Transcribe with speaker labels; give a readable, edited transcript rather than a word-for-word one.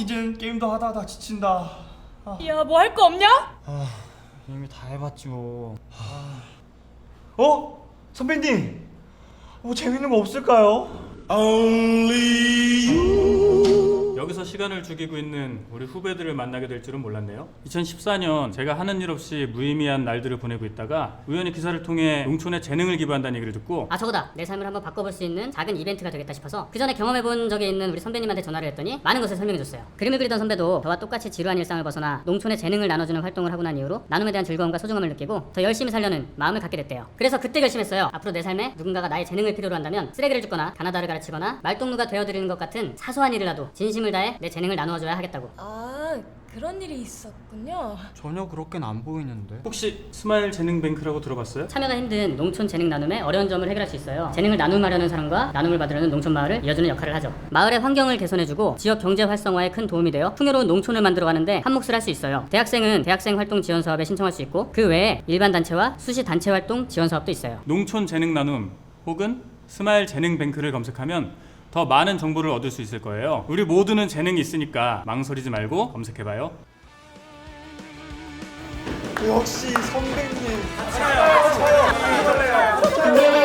Speaker 1: 이젠 게임도 하다 지친다.
Speaker 2: 야, 뭐 할 거 없냐?
Speaker 1: 이미 다 해봤지 뭐. 어? 선배님, 뭐 재밌는 거 없을까요?
Speaker 3: 여기서 시간을 죽이고 있는 우리 후배들을 만나게 될 줄은 몰랐네요. 2014년 제가 하는 일 없이 무의미한 날들을 보내고 있다가 우연히 기사를 통해 농촌에 재능을 기부한다는 얘기를 듣고
Speaker 4: 저거다. 내 삶을 한번 바꿔볼 수 있는 작은 이벤트가 되겠다 싶어서 그 전에 경험해본 적이 있는 우리 선배님한테 전화를 했더니 많은 것을 설명해줬어요. 그림을 그리던 선배도 저와 똑같이 지루한 일상을 벗어나 농촌에 재능을 나눠주는 활동을 하고 난 이후로 나눔에 대한 즐거움과 소중함을 느끼고 더 열심히 살려는 마음을 갖게 됐대요. 그래서 그때 결심했어요. 앞으로 내 삶에 누군가가 나의 재능을 필요로 한다면 쓰레기를 줍거나 가나다를 가르치거나 말동무가 되어드리는 것 같은 사소한 일이라도 진심을 다해 내 재능을 나누어줘야 하겠다고.
Speaker 2: 그런 일이 있었군요.
Speaker 1: 전혀 그렇게는 안 보이는데.
Speaker 3: 혹시 스마일 재능뱅크라고 들어봤어요?
Speaker 4: 참여가 힘든 농촌 재능 나눔의 어려운 점을 해결할 수 있어요. 재능을 나눔하려는 사람과 나눔을 받으려는 농촌 마을을 이어주는 역할을 하죠. 마을의 환경을 개선해주고 지역 경제 활성화에 큰 도움이 되어 풍요로운 농촌을 만들어가는데 한 몫을 할 수 있어요. 대학생은 대학생 활동 지원 사업에 신청할 수 있고 그 외에 일반 단체와 수시 단체 활동 지원 사업도 있어요.
Speaker 3: 농촌 재능 나눔 혹은 스마일 재능뱅크를 검색하면 더 많은 정보를 얻을 수 있을 거예요. 우리 모두는 재능이 있으니까 망설이지 말고 검색해봐요.
Speaker 1: 역시 선배님.
Speaker 4: 근데